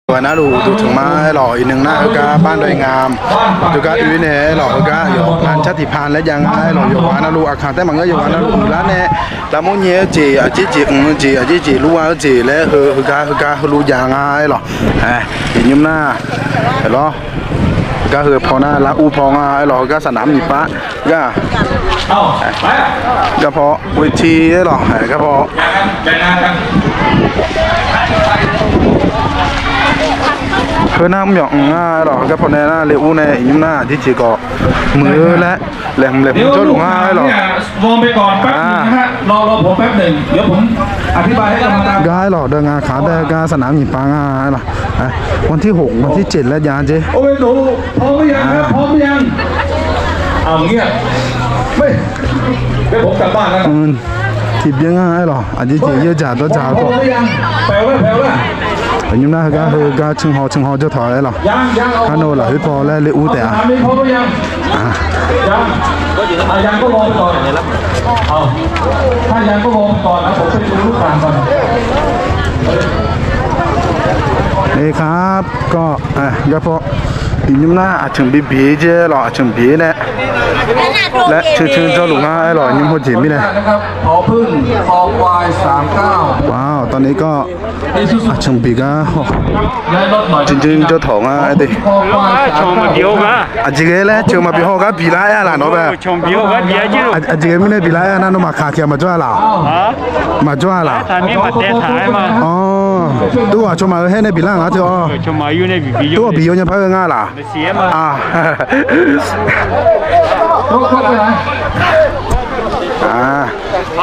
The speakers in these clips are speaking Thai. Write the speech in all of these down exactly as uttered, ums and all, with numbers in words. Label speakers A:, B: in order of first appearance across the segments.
A: วันนั้นดูดูถึงมาหล่ออีกหนึ่งหน้าก็บ้านดอยงามดูก็อุ้ยเนี่ยหล่อก็อยู่งานชาติพันธุ์และยังไงหล่ออยู่วันนั้นดูอาคารแต่บางก็อยู่วันนั้นดูแล้วเนี่ยแล้วมุ่งเงี้ยจีอ่ะจีจีอืมจีอ่ะจีจีรู้ว่าจีแล้วเฮอเฮก็เฮก็รู้ยังไงหรอเฮ้ยอีกยิ้มหน้าเห็นหรอก็คือพอหน้าละอูพองอ่ะหล่อก็สนามหนีปะก็ก็พอเวทีหรอก็พอเพื่อน้ำหยองง่ายหรอก็พอในหน้าเลี้ยวในยิ้มหน้าที่จีก็มือและแหลมแหลมเจ้าหลวงง่ายหรอ
B: วงไปก่อนแป๊บนึงนะฮะรอรอผมแป๊บหนึ่งเดี๋ยวผมอธิบายให้กรรมการ
A: ง่ายหรอเดินงานขาเดินงานสนามหญิงปางง่ายหรอวันที่หกวันที่เจ็ดแล้วยาเจ้
B: โอ้ยหนูพร้อมหรือยังครับพร้อมหรือยังเอาเงี้ยไม่เดี๋ยวผมกลับบ้านแล้ว
A: ทิพย์ยังง่ายหรออันนี้จีเยอะจัดตัวจ่าก็
B: แปลว่าแปลว่า
A: ยิ้มหน้าก็คือก็ชิงหอชิงหอเจ้าถอยหรอฮันโนล่ะพี่พอแล้วเลยอู้แต่อ่ะ
B: พร้อมหรือยังยังยังก็รอก่อนเอาถ้ายังก็รอก่อนนะผมไปดูลูกข่างก่อน
A: นี่ครับก็อ่ะก็พอยิ้มหน้าถึงบีบีเจ้หรอถึงบีเนี่ยและชื่อชื่อเจ้าหลวงง่ายหรอยิ้มหัวจิ๋มนี่เลย
B: นะครับพอพึ่งพอควายสามเก้า
A: ว้าวตอนนี้ก็ถึงบีก็จริงๆเจ้าถงอ่ะไอ้ดิ
C: ชมมาเดียวกัน
A: อาจจะแล้วเจอมาบีฮอก็บีไล่อะล่ะเนาะแบบ
C: ชมบีฮอก็เดียวจี
A: อาจจะไม่ได้บีไล่อะนั่นมาขาเทียมมาจ้าล่ะมาจ้าล่ะ
C: ทำนี่มาเตะถ่ายมา
A: อ๋อตัวชมมาให้ในบีล่างอ่ะเจ้า
C: ชมมาอยู่ในบีบี
A: ตัวบียังพักง่ายล่ะ
C: เสียมา
A: อ่า
B: ต้องเข้าไปไหน
A: อ่า
B: เรา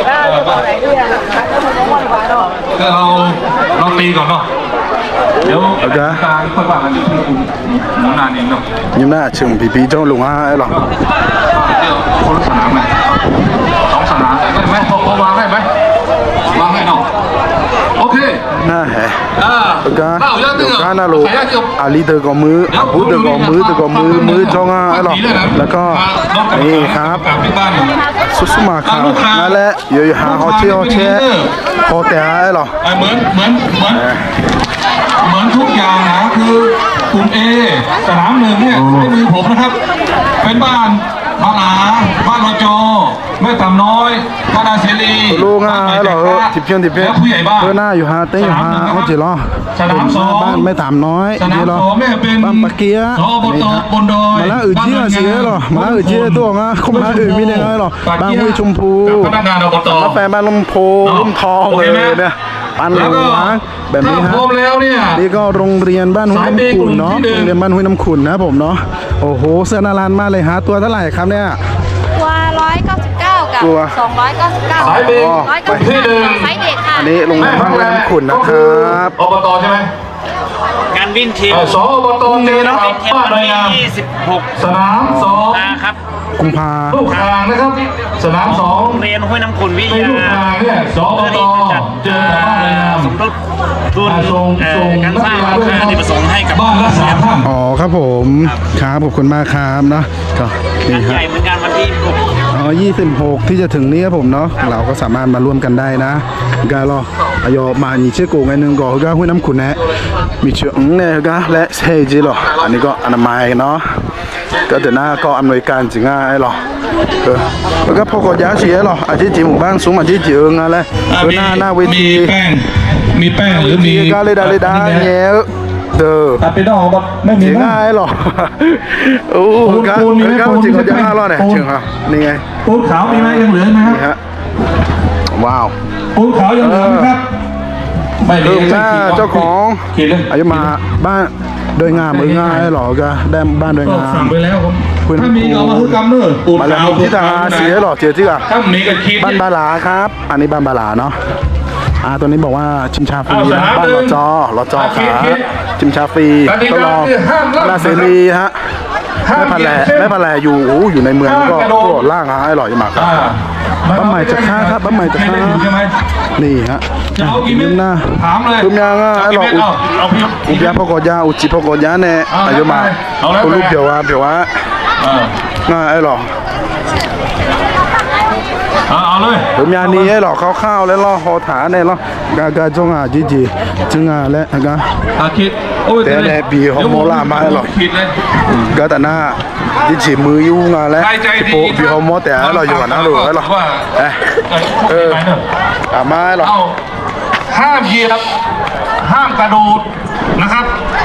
B: เราเราตีก่อนเนาะเดี๋ยวการค่อยว่ากันอยู่ที่คุณน้ำนานเองเนาะ
A: ยิ้มหน้าเชิงบีบีเจ้าหลวงอ่ะหรอ
B: เดี๋ยวคนละสนามไหมสองสนามได้ไหมพอวางได้ไหมวางได้เนาะโอเค
A: น่าแฮะก็ก็น่ารู้อาลีเตอร์ก็มือพูดเตอร์ก็มือเตอร์ก็มือมือจ้องอ่ะหรอแล้วก็นี่ครับสุดสมาครับนั่นแหละอยู่หาเขาเชี่ยวเชี่ยพอแต่หรอ
B: เหมือนเหมือนเหมือนเหมือนทุกอย่างนะคือกลุ่ม A สนามหนึ่งเนี่ยไม่มีผมนะครับเป็นบ้านบ้านอาบ้านรจแม่ต่ำน้อยบ้านอาเสรี
A: ลูกอ่ะหรอทิพย์เพียงทิพย์เพียงเพื่อหน้าอยู่หาเต้อยู่หาเขาจีรอ
B: สนามสอง
A: บ้านไม่ต่ำน้อย
B: สนามสองเนี่ยเป็น
A: บ้านปะเกีย
B: สอบตบนดอย
A: มาแล้วอื่นเชี่ยเสียหรอมาแล้วอื่นเชี่ยตัวงะเขามาอื่นมีเนี่ยหรอบ้านห้วยชมพู
B: พนักงานอบต
A: มาแปลบ้านลมโพลมทองเลยเนี่ยบ้านหลวงแบบนี้ฮะนี่ก็โรงเรียนบ้านห้วยน้ำขุ่นเนาะโรงเรียนบ้านห้วยน้ำขุ่นนะผมเนาะโอ้โหเสื้อนารันมากเลยฮะตัวเท่าไหร่ครับเนี่ย
D: ตัวร้อยเก้าสิบเก้ากับสองร้อยเก้าสิบเก้า
B: สายเบรก
D: ร้อยเก้าสิบเก้าสายเด็กค่ะ
A: อันนี้โรงเรียนบ้านห้วยน้ำขุ่นนะครับ
B: อบตใช่ไหม
C: งานวิ่งทีม
B: สอบตนี้เนาะบ้านดอยงาม
C: ยี่สิบหก
B: สนามสอง
C: ครับ
A: กุมภา
B: ลูกคางนะครับสนามสอง
C: เรียนห้วยน้ำขุ่นวิทยา
B: ลูกคางเนี่ยสอบตเจอบ้านดอยงาม
C: สมทบทุนการสร้างอาคารที่ประสงค์ให้กับ
B: บ้านละสามท่าน
A: อ๋อครับผมครับขอบคุณมากครับเนาะก็
C: นี่ฮะใหญ่เหมือนกันวันที่
A: อ๋อยี่สิบหกที่จะถึงนี้ครับผมเนาะเราก็สามารถมาร่วมกันได้นะการรออายอมาหนีเชื่อกูไงนึงก็ก็ห้วยน้ำขุ่นนะมีเชื่ออืเนี่ยก็และเซจิหรออันนี้ก็อนามัยเนาะก็เดี๋ยวหน้าก็อำนวยการจริงง่ายหรอเออแล้วก็พอกดยาเสียหรออาชีพจีหมู่บ้านสูงอาชีพจีเอิงอะไรก็หน้าหน้าเวที
B: มีแป้งมีแป้งหรือมี
A: ก็เลยได้เลยได้เงี้ยเด้อ
B: ตัดไปดอกแบบไม่มี
A: ง่ายหรอโอ้ก็ก็จริงก็ยังน่ารอดเนี่ยจริงครับนี่ไง
B: ปูนขาวมีไหมยังเหลือไหม
A: ครับว้าว
B: ปูนขาวยังเหลือไหมครับ
A: ไม่เหลือหน้าเจ้าของอายุมาบ้านโดยงามมือง่ายหรอก็ได้บ้านโดยงาม
B: สั่งไปแล้วครับถ้ามีเอามาคือกำเนิดปูน
A: ขาวที่ทางอาเซียหรอเจอที่อ่ะ
B: ถ้ามีก็คิด
A: บ้านบาลาครับอันนี้บ้านบาลาเนาะอ่าตัวนี้บอกว่าชิมชาฟรีนะบ้านรอจอรอจอขาชิมชาฟรีก็รอลาเซรีฮะแม่พันแหล่แม่พันแหล่อยู่อยู่ในเมืองก็ก็ล่างฮะอร่อยมากครับบ้านใหม่จะฆ่าครับบ้านใหม่จะฆ่านี่ฮะยิ้มหน้าคุ้มยังอ่ะไอ้หลอกอุบยาพกยาอุจิพกยาเนี่ยอายุมาคุณลูกเดี๋ยวว่าเดี๋ยวว่าง่ายไอ้หลอก
B: เอาเอาเลย
A: ผมยานี้หรอกข้าวๆแล้วล่อคอถาเนี่ยล่อกากาจงอ่ะจีจีจึงอ่ะและกา
B: อาคิดโอ้ย
A: แต่แต่บีเขาโมล่ามาหรอก
B: ผิดเลย
A: ก็แต่หน้าจีจีมือยุ่งอ่ะแล้ว
B: ใครใจดี
A: โอ้บีเขาโมแต่เราอยู่นะหรือหรอ
B: ว่า
A: เอ๊ะ
B: เออไปเนอะ
A: อ่ะมาหรอ
B: เอาห้ามเหยียบห้ามกระโดดนะครับ